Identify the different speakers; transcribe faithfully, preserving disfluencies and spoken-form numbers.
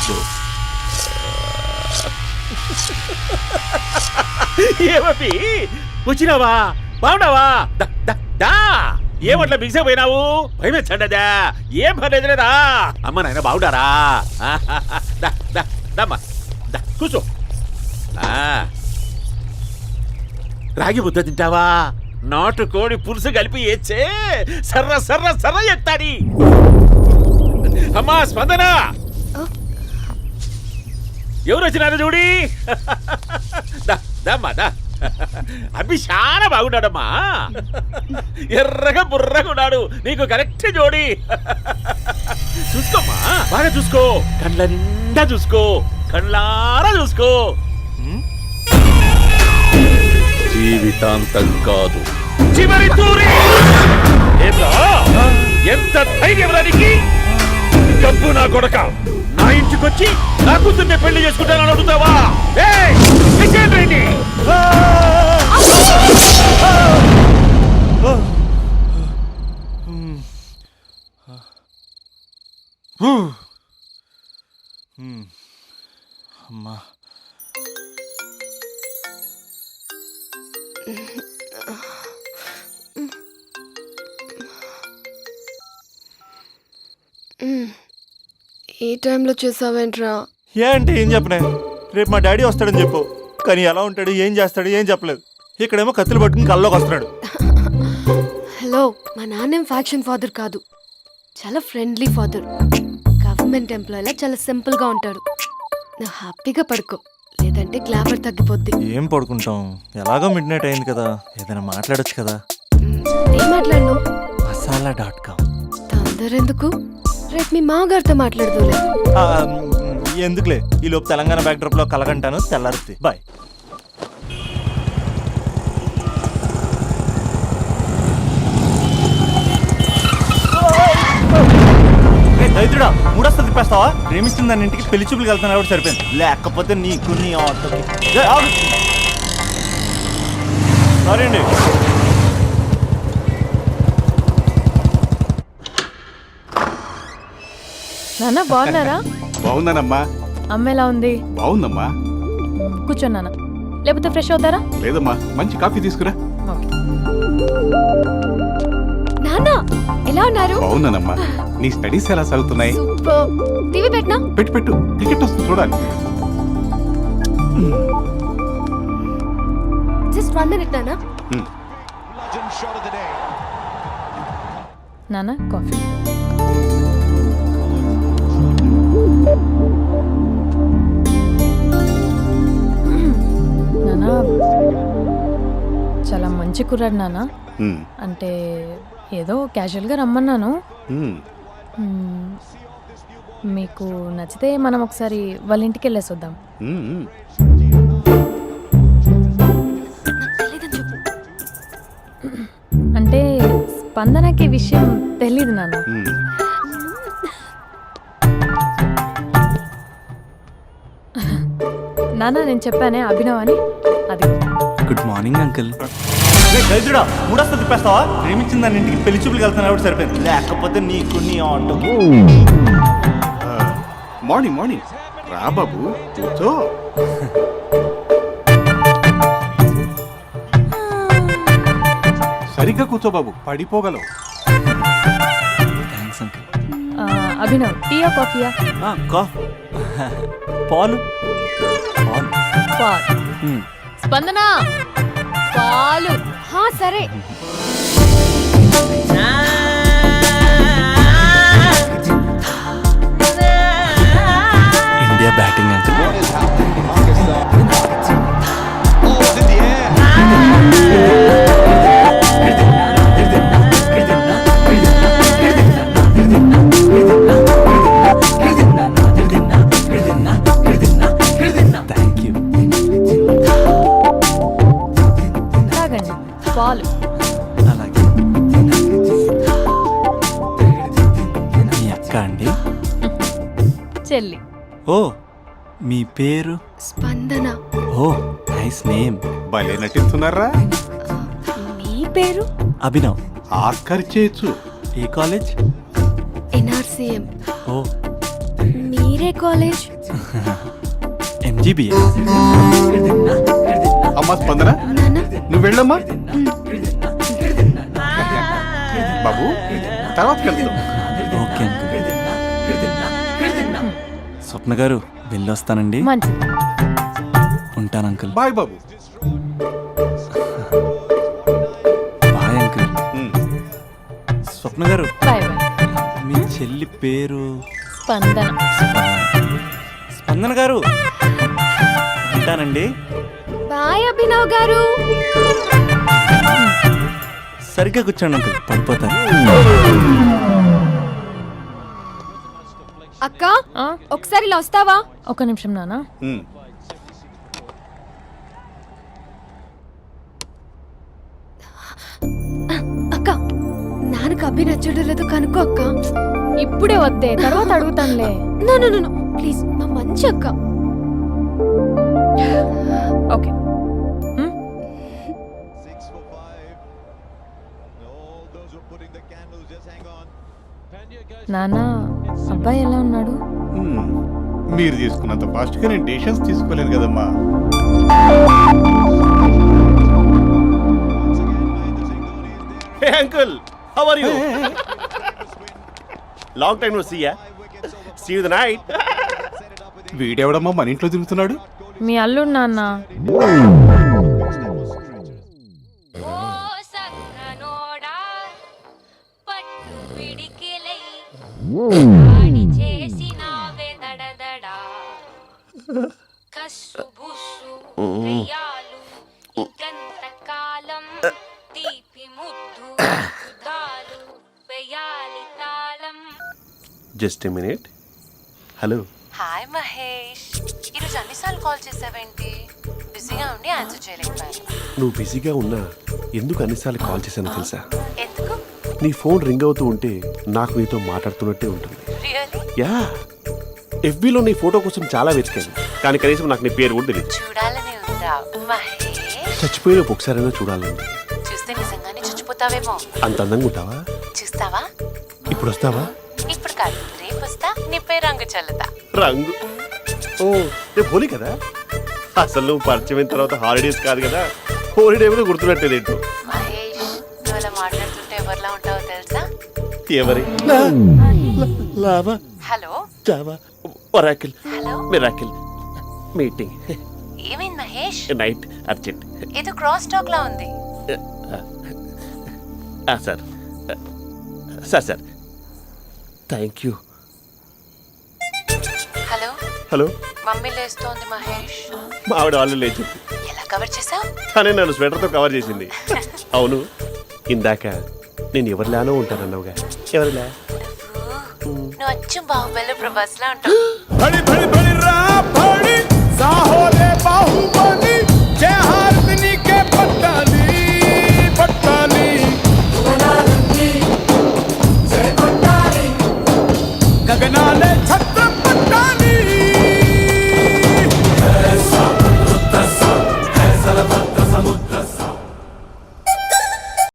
Speaker 1: కూర్చో. ఏమీ వచ్చినావా? బాగున్నావా? ఏమట్లా బిగిసే పోయినావు? భయమేచ్చండదా? ఏం పర్లేదులేదా? అమ్మ నాయన బాగుండారా? దమ్మా కూర్చో. రాగి ముద్ద తింటావా? నాటు కోడి పులుసు కలిపి ఏచ్చే సర్ర సర్ర సర్ర ఎత్తాడి. అమ్మా స్పందన, ఎవరు వచ్చినారు చూడి. దమ్మా దా. అబ్బి చాలా బాగున్నాడమ్మా. ఎర్రగా బుర్రగా ఉన్నాడు. నీకు కరెక్ట్ జోడి. చూసుకోమ్మా, బాగా చూసుకో. కళ్ళ నిండా చూసుకో, కళ్ళారా చూసుకో. జీవితాంతం కాదు, చివరి తూరి. ఎంత ధైర్యం రానికి? డబ్బు నా కొడక నా ఇంటికొచ్చి నా కూతుర్ని పెళ్లి చేసుకుంటానని అడుగుతావా?
Speaker 2: అమ్మా
Speaker 3: ఈ టైంలో చేసావేంట్రా?
Speaker 2: ఏ అంటే ఏం చెప్పనే? రేపు మా డాడీ వస్తాడని చెప్పు, కానీ ఎలా ఉంటాడు, ఏం చేస్తాడు, ఏం చెప్పలేదు. ఇక్కడేమో కత్తులు పట్టుకుని కల్లోకి వస్తున్నాడు.
Speaker 3: హలో, మా నాన్నేం ఫ్యాక్షన్ ఫాదర్ కాదు, చాలా ఫ్రెండ్లీ ఫాదర్. గవర్నమెంట్ ఎంప్లాయీలా చాలా సింపుల్ గా ఉంటాడు. నువ్వు హ్యాపీగా పడుకో, లేదంటే గ్లామర్ తగ్గిపోద్ది.
Speaker 2: ఏం పడుకుంటాం, ఎలాగో మిడ్ నైట్ అయింది కదా, ఏదైనా మాట్లాడొచ్చు కదా.
Speaker 3: ఏం మాట్లాడను?
Speaker 2: Masala dot com.
Speaker 3: తొందర ఎందుకు, రేపు మీ మామగారితో మాట్లాడదులే.
Speaker 2: ఎందుకులే, ఈ లోపు తెలంగాణ బ్యాక్ డ్రాప్ లో కలగంటాను. తెల్లారుద్ది. బాయ్. దైత్రుడా, మూడొస్తా తిప్పేస్తావా? ప్రేమిస్తుంది దాని ఇంటికి పెళ్లి చూపులకు వెళ్తాను కాబట్టి సరిపోయింది, లేకపోతే నీకు నీ ఆటోకి. సారీ అండి.
Speaker 4: నాన్న బాగున్నారా?
Speaker 5: బాగున్నానమ్మా.
Speaker 4: అమ్మ ఎలా ఉంది?
Speaker 5: బాగుందమ్మా.
Speaker 4: కూర్చోన్నానా, లేకపోతే ఫ్రెష్ అవుతారా?
Speaker 5: లేదమ్మా, మంచి కాఫీ తీసుకురా.
Speaker 3: నాన్న ఎలా ఉన్నారు?
Speaker 5: బాగున్నానమ్మా. నీ స్టడీస్ ఎలా సాగుతున్నాయి?
Speaker 3: సూపర్. టీవీ పెట్టనా?
Speaker 5: పెట్టు పెట్టు, టికెట్ వస్తుంది చూడాలి.
Speaker 3: జస్ట్ వన్ మినిట్ నాన్న.
Speaker 4: నాన్న కాఫీ. నాన్న చాలా మంచి కుర్రాడు నాన్న. అంటే ఏదో క్యాజువల్గా రమ్మన్నాను. మీకు నచ్చితే మనం ఒకసారి వాళ్ళ ఇంటికి వెళ్ళేసి వద్దాం. అంటే స్పందనకి విషయం తెలీదు నాన్న. నాన్న నేను చెప్పానే అభినవ్ అని, అది.
Speaker 2: Good morning uncle. దైత్రుడా, మూడొస్తా తిప్పేస్తావా? ప్రేమించింది దాని ఇంటికి పెళ్లి చూపులకు వెళ్తాను కాబట్టి సరిపోయింది, లేకపోతే నీకు నీ ఆటోకి.
Speaker 5: మార్నింగ్ మార్నింగ్ రా బాబు, కూర్చో. సరిగ్గా కూర్చో బాబు, పడిపోగలవు.
Speaker 2: Thanks uncle.
Speaker 4: అభినవ్, టీయా కాఫీయా?
Speaker 2: పాలు. పాలు.
Speaker 4: పాలు. స్పందన పాలు.
Speaker 3: హా సరే.
Speaker 2: India batting uncle.
Speaker 4: పాలు.
Speaker 2: అలాగే. మీ అక్క అండి?
Speaker 4: చెల్లి.
Speaker 2: ఓ, మీ పేరు?
Speaker 3: స్పందన.
Speaker 2: ఓ, నైస్ నేమ్.
Speaker 5: భలే నటిస్తున్నారా?
Speaker 3: మీ పేరు?
Speaker 2: అభినవ్.
Speaker 5: ఆస్కర్ చేయొచ్చు.
Speaker 2: ఏ కాలేజ్?
Speaker 3: ఎన్ఆర్సీఎం.
Speaker 2: ఓ,
Speaker 3: మీరే ఏ కాలేజ్?
Speaker 2: ఎంజీబీఏ.
Speaker 5: అమ్మా స్పందన
Speaker 3: నాన్న
Speaker 5: నువ్వు వెళ్ళమ్మా బాబు తర్వాత వెళ్తాం.
Speaker 2: Okay uncle. స్వప్న గారు వెళ్ళొస్తానండి.
Speaker 4: మంచిది.
Speaker 2: ఉంటాను అంకుల్.
Speaker 5: బాయ్ బాబు.
Speaker 2: Bye uncle.
Speaker 5: ఉమ్.
Speaker 2: స్వప్న గారు
Speaker 4: బాయ్ బాయ్.
Speaker 2: మీ చెల్లి పేరు
Speaker 4: స్పందన.
Speaker 2: స్పందన గారు ఉంటానండి.
Speaker 3: బాయ్ అభినవ్ గారు.
Speaker 2: సరిగ్గా కూర్చోండి అంకుల్, పడిపోతారు.
Speaker 3: అక్క
Speaker 4: ఆ,
Speaker 3: ఒకసారి ఇలా వస్తావా?
Speaker 4: ఒక నిమిషం నాన్న.
Speaker 5: ఉమ్.
Speaker 3: అక్క నాన్నకు అభి నచ్చడం లేదో కనుక్కో అక్క.
Speaker 4: ఇప్పుడే వద్దే, తర్వాత అడుగుతానులే.
Speaker 3: నో నో నో ప్లీజ్, మా మంచి అక్క.
Speaker 4: ఓకే. హ్మ్? నాన్న, అబ్బాయి ఎలా ఉన్నాడు?
Speaker 5: ఉమ్. మీరు తీసుకున్నంత ఫాస్ట్గా నేను డెసిషన్స్ తీసుకోలేను కదమ్మా.
Speaker 6: Hey uncle, how are you? Long time no see ya. See you the night.
Speaker 5: వీడెవడమ్మా మన ఇంట్లో తిరుగుతున్నాడు?
Speaker 4: మీ అల్లుడు నాన్న.
Speaker 7: ఓ సక్కనోడా పట్టు పిడికిలై ఆడి చేసినావే దడదడా కస్సు బుస్సు దయ్యాలు ఇంకంత కాలం తీపి ముద్దు దాలు వేయాలి తాళం.
Speaker 6: Just a minute. Hello.
Speaker 8: Hi Mahesh, ఈరోజు అన్నిసార్లు కాల్ చేసావేంటి? బిజీగా ఉండి ఆన్సర్ చేయలేకపోయాను.
Speaker 6: నువ్వు బిజీగా ఉన్నా ఎందుకు అన్నిసార్లు కాల్ చేశానో తెలుసా?
Speaker 8: ఎందుకు?
Speaker 6: నీ ఫోన్ రింగ్ అవుతూ ఉంటే నాకు నీతో మాట్లాడుతున్నట్టే ఉంటుంది.
Speaker 8: రియల్లీ?
Speaker 6: యా, ఎఫ్బీలో నీ ఫోటో కోసం చాలా వెతికాను, కానీ కనీసం నాకు నీ పేరు కూడా తెలియదు.
Speaker 8: చూడాలని ఉందా మహేష్?
Speaker 6: చచ్చిపోయిన ఒకసారైనా చూడాలండి.
Speaker 8: చూస్తే నిజంగానే చచ్చిపోతావేమో.
Speaker 6: అంత అందంగా ఉంటావా?
Speaker 8: చూస్తావా?
Speaker 6: ఇప్పుడు వస్తావా?
Speaker 8: ఇప్పుడు కాదు, రేపు వస్తా, నీపై రంగు చల్లుతా.
Speaker 6: రంగు? ఓ, రేపు హోలీ కదా. అసలు నువ్వు పరిచయం అయిన తర్వాత హాలిడేస్ కాదు కదా, హోలిడే కూడా గుర్తున్నట్టేది ఏంటో.
Speaker 8: మహేష్, నువ్వు అలా మాట్లాడుతుంటే ఎవరిలా ఉంటావో తెలుసా?
Speaker 6: ఎవరి? Lava,
Speaker 8: hello
Speaker 6: Java, oracle,
Speaker 8: hello,
Speaker 6: miracle, meeting,
Speaker 8: ఏమైంది మహేష్?
Speaker 6: Night, urgent.
Speaker 8: ఏదో క్రాస్ టాక్ లా ఉంది.
Speaker 6: Sir sir sir thank you.
Speaker 8: Hello,
Speaker 6: hello,
Speaker 8: mummy లేస్తోంది మహేష్.
Speaker 6: మా ఆవిడ వాళ్ళు లేచి
Speaker 8: ఎలా కవర్ చేసావు?
Speaker 6: తనే నన్ను స్వెటర్తో కవర్ చేసింది. అవును, ఇందాక నేను ఎవరిలానో ఉంటానన్నావుగా, ఎవరిలా?
Speaker 8: నువ్వు అచ్చం బాహుబలి ప్రభాస్ లా ఉంటావు.
Speaker 1: బడి బడి బడి రా బడి సాహోరే బాహుబలి జయ హారతిని కే పట్టాలి పట్టాలి గగనాలే ఛత్ర